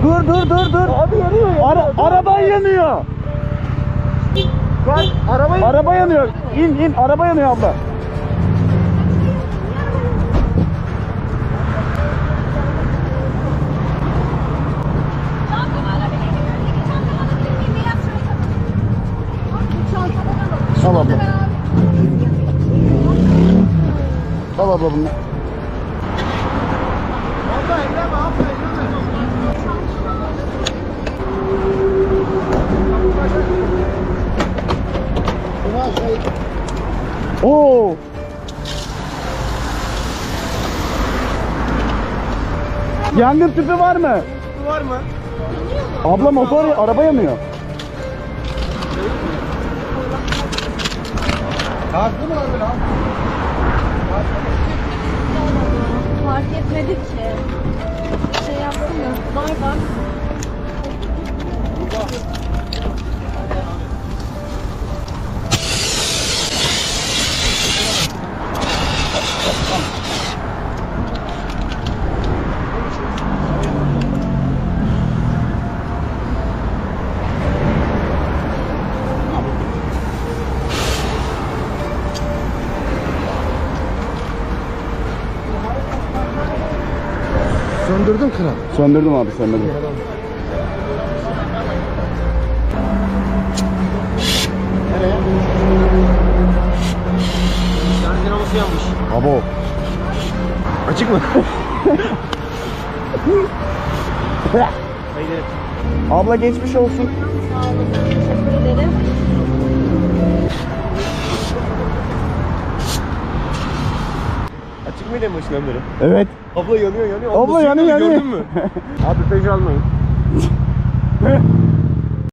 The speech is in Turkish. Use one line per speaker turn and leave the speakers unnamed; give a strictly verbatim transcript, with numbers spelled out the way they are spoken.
Dur dur dur dur.
Abi yanıyor ya.
Ara, araba yanıyor.
Bak araba yanıyor.
Araba yanıyor. İn in araba yanıyor abla. Al abla. Al abla bunu.
Abla elleme abla elleme. Buna şey.
Oo. Yangın tüpü var mı?
Bu var mı?
Abla motor araba yanıyor.
Haklı mı lan böyle abi?
Fark etmedi ki. Şey yaptım ya. Var var.
Söndürdün kral.
Söndürdüm abi söndürdüm.
Nereye? Şarj dinamosu yanmış.
Abo.
Açık mı? Haydi.
Abla geçmiş olsun.
Sağ olun. Teşekkür ederim.
Açık mıydı en başından beri?
Evet.
Abla yanıyor yanıyor.
Abla
Nasıl
yanıyor,
Gördün
yanıyor.
mü? Abi Peugeot almayın.